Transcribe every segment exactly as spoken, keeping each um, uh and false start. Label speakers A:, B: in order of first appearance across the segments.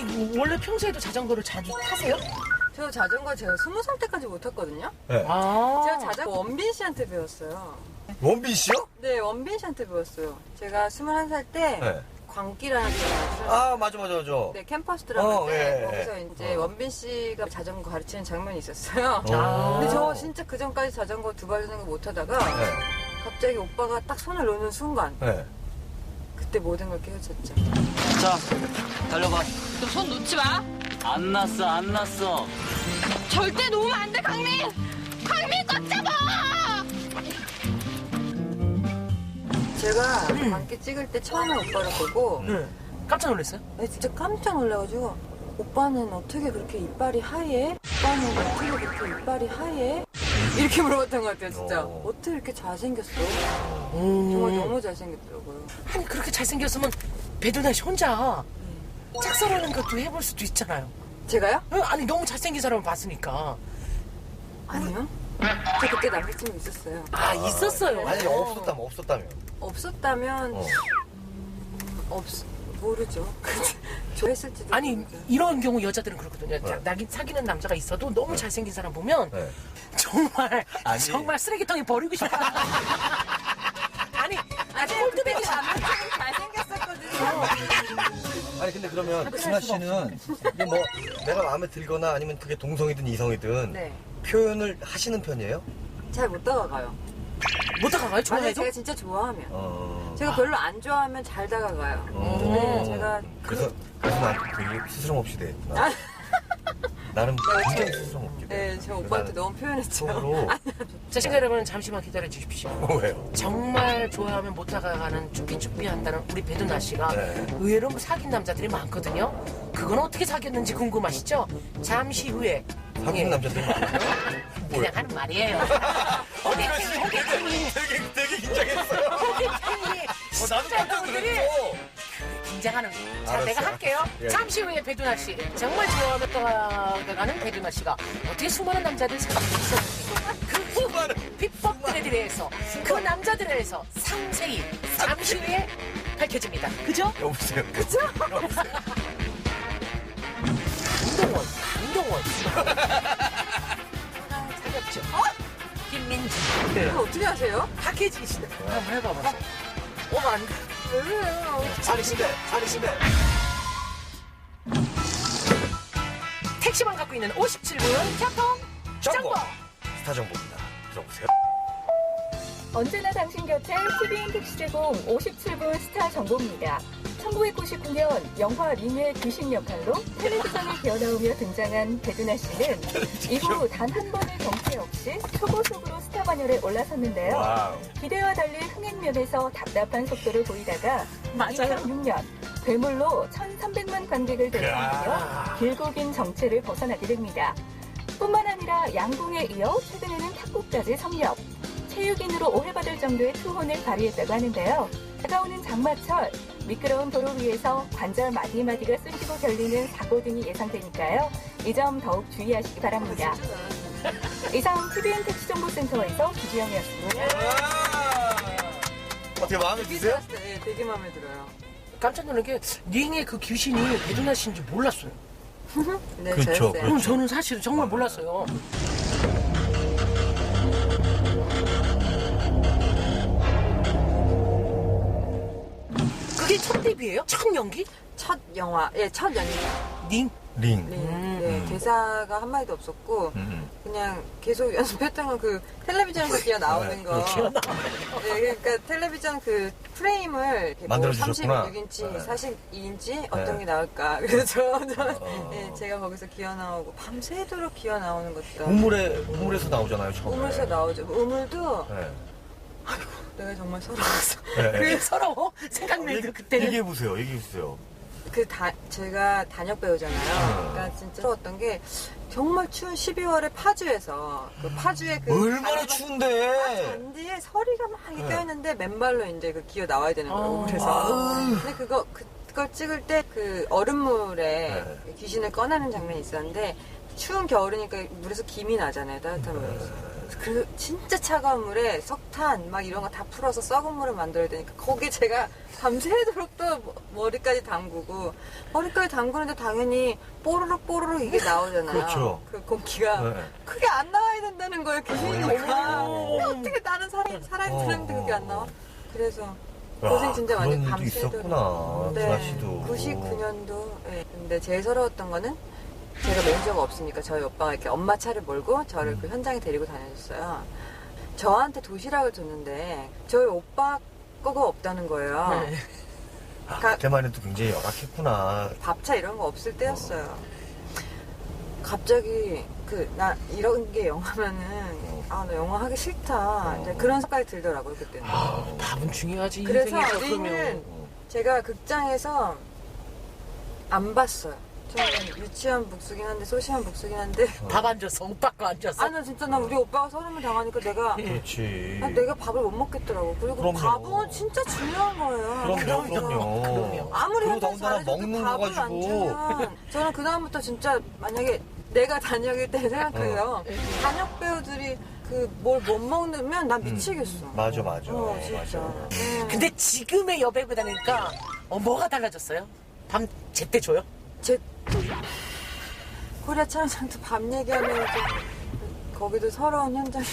A: 아니 원래 평소에도 자전거를 자주 타세요?
B: 저 자전거 제가 스무 살 때까지 못 탔거든요.
C: 네.
A: 아.
B: 제가 자전거 원빈 씨한테 배웠어요.
C: 원빈 씨요?
B: 네, 원빈 씨한테 배웠어요. 제가 스물한 살 때
C: 네.
B: 광기라는 드라마를
C: 아, 맞아, 맞아, 맞아.
B: 네, 캠퍼스 드라마인데
C: 어, 예, 예.
B: 거기서 이제
C: 어.
B: 원빈 씨가 자전거 가르치는 장면이 있었어요.
C: 아.
B: 근데 저 진짜 그 전까지 자전거 두 발 자전거 못 타다가
C: 네.
B: 갑자기 오빠가 딱 손을 놓는 순간
C: 네.
B: 그때 모든 걸 깨우쳤죠.
D: 자, 달려봐.
E: 너 손 놓지 마.
D: 안 났어, 안 났어.
E: 절대 놓으면 안 돼, 강민. 강민 꽉 잡아.
B: 제가 광기 찍을 때 처음에 오빠를 보고
A: 네. 깜짝 놀랐어요?
B: 네, 진짜 깜짝 놀라가지고 오빠는 어떻게 그렇게 이빨이 하얘? 오빠는 어떻게 그렇게 이빨이 하얘? 이렇게 물어봤던 것 같아요, 진짜.
C: 어.
B: 어떻게 이렇게 잘생겼어?
A: 음.
B: 정말 너무 잘생겼더라고요.
A: 아니 그렇게 잘생겼으면 배두나 씨 혼자 짝사랑하는 것도 해볼 수도 있잖아요.
B: 제가요?
A: 어, 아니 너무 잘생긴 사람을 봤으니까.
B: 아니요. 저 그때 남자친구 있었어요.
A: 아 있었어요.
C: 아니, 없었다면, 없었다면.
B: 없었다면
C: 어.
B: 음, 없 모르죠. 좋아했을지도
A: 아니
B: 모르죠.
A: 이런 경우 여자들은 그렇거든요.
C: 네.
A: 나, 사귀는 남자가 있어도 너무 잘생긴 사람 보면
C: 네.
A: 정말
C: 아니.
A: 정말 쓰레기통에 버리고 싶어. 아니 아주 꼴드백이
B: 잘생겼었거든요.
C: 아니, 근데 그러면 준하 씨는 이게 뭐 내가 마음에 들거나 아니면 그게 동성이든 이성이든
B: 네.
C: 표현을 하시는 편이에요?
B: 잘 못 다가가요.
A: 못 다가가요?
B: 아니,
A: 좋아해도?
B: 제가 진짜 좋아하면.
C: 어.
B: 제가 별로 안 좋아하면 잘 다가가요.
C: 어.
B: 근데 제가
C: 그래서, 그래서 나한테 되게 스스럼 없이 돼.
B: 아.
C: 나는
B: 네,
C: 굉장히
B: 저-
C: 스스럼 없게 돼.
B: 네, 제 오빠한테
C: 나는
B: 너무 표현했죠.
C: 속으로.
A: 자, 시청자 여러분 잠시만 기다려 주십시오.
C: 어, 왜요?
A: 정말 좋아하면 못 다가가는 쭈삐쭈삐 한다는 우리 배두나 씨가
C: 네.
A: 의외로 사귄 남자들이 많거든요. 그건 어떻게 사귀었는지 궁금하시죠? 잠시 후에
C: 사귀는
A: 예,
C: 남자들이 많아요?
A: 그냥 하는 말이에요. 호객행위, 호객행위,
C: 되게, 되게 긴장했어요.
A: 호객행위.
C: 어, 나도 깜짝 놀랐어.
A: 긴장하는. 자,
C: 알았어,
A: 내가 할게요.
C: 알았어. 예.
A: 잠시 후에 배두나 씨. 정말 좋아하며 떠나가는 배두나 씨가 어떻게 수많은 남자들 사귀었어? 그 수많은 비법들에 대해서 그 남자들에 대해서 상세히 잠시 후에 밝혀집니다. 그죠?
C: 여보세요.
A: 그죠? 강동원, 강동원. 사귀었죠? 김민지. 네.
B: 그걸 어떻게 하세요?
A: 박혜진 씨는 한번 해봐봐. 어, 안 돼.
B: 왜 그래요?
C: 사리신대, 사리신대.
A: 택시만 갖고 있는 오십칠 분 교통 정보.
C: 스타 정보입니다. 들어보세요.
F: 언제나 당신 곁에 티비엔 택시 제공 오십칠 분 스타 정보입니다. 천구백구십구 년 영화 링의 귀신 역할로 텔레비전에 기어나오며 등장한 배두나 씨는 이후 단 한 번의 정체 없이 초고속으로 스타 반열에 올라섰는데요.
C: 와우.
F: 기대와 달리 흥행면에서 답답한 속도를 보이다가
A: 맞아요.
F: 이천육 년 괴물로 천삼백만 관객을 대상하며 길고 긴 정체를 벗어나게 됩니다. 뿐만 아니라 양궁에 이어 최근에는 탁구까지 섭렵. 체육인으로 오해받을 정도의 투혼을 발휘했다고 하는데요. 다가오는 장마철, 미끄러운 도로 위에서 관절 마디마디가 쑤시고 결리는 사고 등이 예상되니까요. 이 점 더욱 주의하시기 바랍니다. 이상 티비엔 택시정보센터에서 기주영이었습니다.
C: 어떻게 마음에 드세요?
B: 네, 되게 마음에 들어요.
A: 깜짝 놀란 게 링의 그 귀신이 배두나 씨인 줄 몰랐어요.
B: 네,
C: 그렇죠,
B: 저였어요.
A: 그럼 저는 사실 정말 몰랐어요. 그게 첫 데뷔예요? 첫 연기?
B: 첫 영화, 예, 첫 연기.
A: 링?
C: 링.
B: 네,
A: 음.
B: 네,
C: 음.
B: 대사가 한마디도 없었고,
C: 음.
B: 그냥 계속 연습했던 건 그 텔레비전에서 기어 나오는 거.
A: 기어나.
B: 네, 그러니까 텔레비전 그 프레임을 이렇게 뭐
C: 만들어주셨구나.
B: 삼십육 인치,
C: 네.
B: 사십이 인치 어떤
C: 네.
B: 게 나올까. 그래서 저, 저
C: 어.
B: 네, 제가 거기서 기어 나오고 밤새도록 기어 나오는 것도.
C: 우물에, 우물에서 나오잖아요, 처음에.
B: 우물에서 나오죠. 우물도
C: 네.
B: 내가 정말 서러웠어.
C: 네.
A: 그 서러워? 생각나는 그때는.
C: 얘기해보세요, 얘기해보세요.
B: 그 다, 제가 단역 배우잖아요. 그러니까 진짜 서러웠던 게 정말 추운 십이월에 파주에서 그 파주에 그
C: 얼마나
B: 잔디-
C: 추운데!
B: 잔디에 서리가 막 이렇게
C: 네.
B: 껴있는데 맨발로 이제 그 기어 나와야 되는 거예요.
A: 아.
B: 우물에서.
C: 아우.
B: 근데 그거 그, 그걸 찍을 때 그 얼음물에
C: 네.
B: 귀신을 꺼내는 장면이 있었는데 추운 겨울이니까 물에서 김이 나잖아요. 따뜻한 물에서. 그 진짜 차가운 물에 석탄 막 이런 거 다 풀어서 썩은 물을 만들어야 되니까 거기 제가 밤새도록 또 머리까지 담그고 머리까지 담그는데 당연히 뽀로록 뽀로록 이게 나오잖아요.
C: 그렇죠.
B: 그 공기가
C: 네.
B: 그게 안 나와야 된다는 거예요. 귀신이니까.
C: 오.
B: 근데 어떻게 다른 사람 살아있는 사람인데 그게 안 나와? 그래서
C: 야,
B: 고생 진짜 많이
C: 그런 일도
B: 밤새도록.
C: 있었구나, 준하 씨도.
B: 구십구 년도. 네. 근데 제일 서러웠던 거는 제가 매니저가 없으니까 저희 오빠가 이렇게 엄마 차를 몰고 저를
C: 음.
B: 그 현장에 데리고 다녀줬어요. 저한테 도시락을 줬는데 저희 오빠 거가 없다는 거예요.
A: 네.
C: 아,
B: 가-
C: 그때만 해도 굉장히 열악했구나.
B: 밥차 이런 거 없을 때였어요. 갑자기 그 나 이런 게 영화면은 아 나 영화 하기 싫다 이제 그런 생각이 들더라고요 그때는.
A: 아, 밥은 중요하지.
B: 그래서
A: 인생에서
B: 우리는
A: 그러면.
B: 제가 극장에서 안 봤어요. 저는 유치한 복수긴 한데 소심한 복수긴 한데
A: 밥 안 줬어. 오빠 거 안 줬어.
B: 아 나 진짜 나 우리 오빠가 서름을 당하니까 내가
C: 그렇지.
B: 아, 내가 밥을 못 먹겠더라고. 그리고
C: 그럼요.
B: 밥은 진짜 중요한 거예요.
C: 그럼요, 그럼요.
A: 그럼요.
B: 아무리
C: 그리고
B: 현장
C: 더군다나
B: 잘해줘도
C: 먹는 거
B: 밥을 안
C: 가지고.
B: 주면 저는 그다음부터 진짜 만약에 내가 단역일 때 생각해요.
C: 어.
B: 단역 배우들이 그 뭘 못 먹으면 난 미치겠어.
C: 맞아, 맞아.
B: 어, 진짜.
C: 맞아.
B: 네.
A: 근데 지금의 여배우 다니까 어, 뭐가 달라졌어요? 밤 제때 줘요?
B: 제 코리아 촬영장도 밤 얘기하면 좀 거기도 서러운 현장이.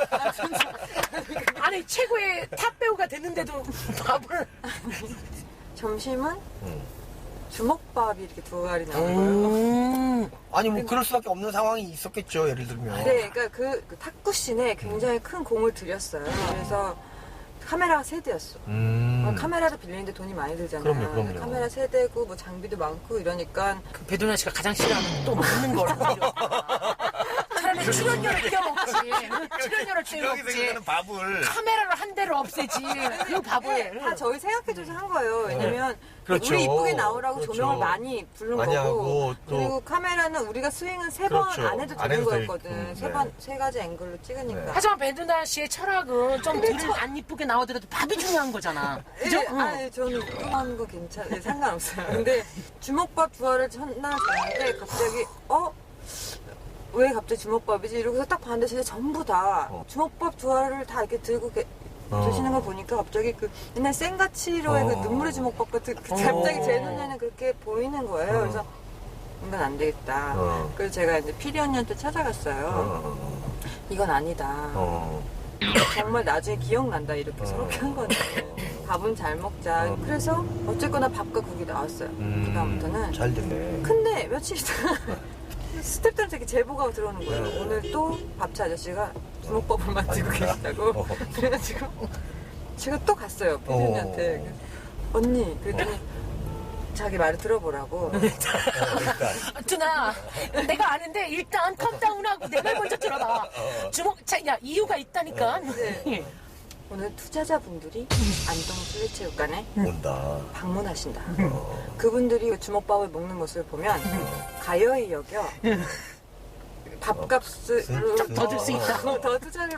A: 아니 최고의 탑 배우가 됐는데도 밥을.
B: 점심은
C: 음.
B: 주먹밥이 이렇게 두 알이 나온 거예요.
A: 음.
C: 아니, 뭐, 그럴 수밖에 없는 상황이 있었겠죠, 예를 들면.
B: 네, 그러니까 그, 그 탁구씬에 굉장히 큰 공을 들였어요. 그래서 카메라가 세 대였어.
C: 음.
B: 카메라를 빌리는데 돈이 많이 들잖아요.
C: 그럼요, 그럼요.
B: 카메라 세 대고 뭐 장비도 많고 이러니까
A: 그 배도나 씨가 가장 싫어하는 또 먹는 걸. 차라리 출연료를 떼어먹지. 출연료를
C: 여기
A: 떼어먹지.
C: 생기는 밥을.
A: 카메라를 한 대를 없애지. 그 밥을.
B: 다 저희 생각해줘서 한 거예요. 왜냐면
C: 그렇죠.
B: 우리 이쁘게 나오라고
C: 그렇죠.
B: 조명을 많이 부른
C: 많이
B: 거고
C: 하고 또-
B: 그리고 카메라는 우리가 스윙은 세 번
C: 그렇죠.
B: 안 해도
C: 안
B: 되는
C: 해도
B: 거였거든.
C: 되게끔,
B: 세
C: 네.
B: 번, 세 가지 앵글로 찍으니까.
C: 네.
A: 하지만 배두나 씨의 철학은 좀 덜 안 이쁘게 나오더라도 밥이 중요한 거잖아. 그죠?
B: 예,
A: 응.
B: 아니, 저는 그런 거 괜찮아요. 상관없어요. 근데 주먹밥 두 알을 첫날 줬는데 갑자기, 어? 왜 갑자기 주먹밥이지? 이러고서 딱 봤는데 진짜 전부 다
C: 어.
B: 주먹밥 두 알을 다 이렇게 들고 게,
C: 어.
B: 드시는 걸 보니까 갑자기 그 옛날 생가치로의
C: 어.
B: 그 눈물의 주먹밥 같은 그
A: 어.
B: 갑자기 제 눈에는 그렇게 보이는 거예요.
C: 어.
B: 그래서 이건 안 되겠다.
C: 어.
B: 그래서 제가 이제 피리 언니한테 찾아갔어요.
C: 어.
B: 이건 아니다.
C: 어.
B: 정말 나중에 기억난다 이렇게
C: 어.
B: 서럽게 한 건데 밥은 잘 먹자.
C: 어.
B: 그래서 어쨌거나 밥과 국이 나왔어요.
C: 음,
B: 그다음부터는.
C: 잘 됐네.
B: 근데 며칠 있다가 스태프들한테 이렇게 제보가 들어오는 거예요.
C: 네.
B: 오늘 또 밥차 아저씨가 주먹밥을 만들고
C: 아니,
B: 계시다고.
C: 어.
B: 그래가지고 제가 또 갔어요. 피디님한테.
C: 어.
B: 언니 그랬더니 자기 말을 들어보라고.
C: 일단.
A: 두나, 내가 아는데 일단 컴다운하고 내 말 먼저 들어봐. 주먹, 자, 야 이유가 있다니까.
B: 네. 오늘 투자자분들이 안동 술래체육관에
C: 온다.
B: 방문하신다.
C: 어.
B: 그분들이 주먹밥을 먹는 모습을 보면 가여이 여겨 밥값을
C: 좀
A: 더 줄 수 있다.
B: 더 투자를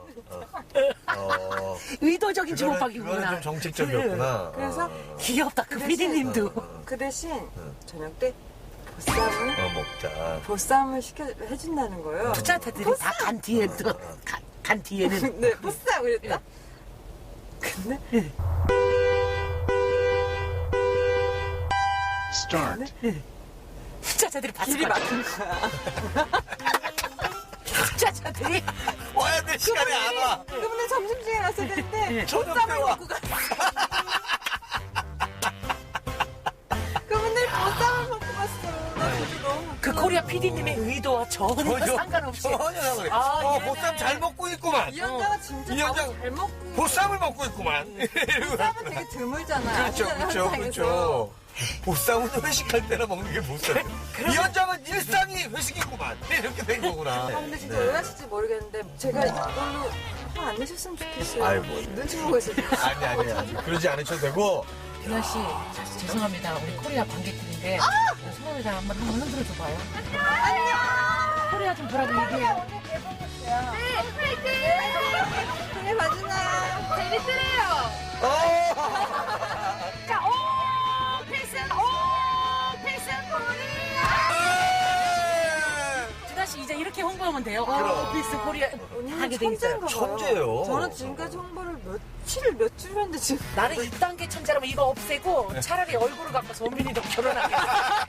C: 어.
A: 의도적인
C: 그거는,
A: 주먹밥이구나.
C: 그거는 좀 정책적이었구나.
B: 그래서
C: 어.
A: 귀엽다, 그 피디님도.
B: 그 대신 저녁 때 보쌈을
C: 어, 먹자.
B: 보쌈을 시켜 해준다는 거예요.
A: 투자자들이 다 간 뒤에, 또, 간, 간 뒤에는.
B: 네, 보쌈 그랬다. 근데
A: 투자자들이 봤을
B: 길이
A: 거야.
B: 막힌 거야.
A: 투자자들이.
C: 와야 돼, 시간에 안 와.
B: 그분들 점심시간에 왔을 텐데
C: 저녁 때
B: 보쌈을
C: 와.
B: 먹고 갔어. 그분들 보쌈을 먹고 갔어. 나 진짜 너무
A: 그 코리아 피디님의 의도와 전혀
C: 전혀
A: 상관없이.
C: 전혀 상관없이.
A: 아,
C: 어,
A: 얘네.
C: 보쌈 잘 먹고 있구만.
B: 이 현장은 진짜
C: 이
B: 밥을
C: 현장
B: 잘 먹고
C: 보쌈을 먹고 있구만.
B: 보쌈은 되게 드물잖아요.
C: 그렇죠, 그렇죠,
B: 현장에서.
C: 그렇죠. 보쌈은 회식할 때나 먹는 게 보쌈. 이 현장은 일상이 회식이구만. 이렇게 된 거구나.
B: 아 근데 진짜
C: 네.
B: 왜 하실지 모르겠는데 제가 이걸로 화 안 내셨으면 좋겠어요.
C: 아이, 뭐.
B: 눈치 보고 있어요.
C: 아니, 아니, 아니. 그러지 않으셔도 되고.
A: 유나 씨, 죄송합니다. 우리 코리아 관객들인데 손을 다 한번 한번 흔들어 줘봐요. 안녕. 코리아 좀 보라고 얘기해요.
B: 그래 맞으나
E: 재밌으래요.
C: 어!
E: 자, 오, 필승, 오, 필승 코리아.
A: 유나 씨 이제 이렇게 홍보 찍어놓으면 돼요.
C: 그럼.
A: 미스 코리아
B: 언니는
A: 하게 돼 있어요.
B: 천재인가 봐요.
C: 천재예요.
B: 저는 지금까지 홍보를 며칠 며칠 했는데 지금
A: 나는 일 단계 천재라면 이거 없애고 차라리 얼굴을 갖고 원빈이도 결혼하겠어.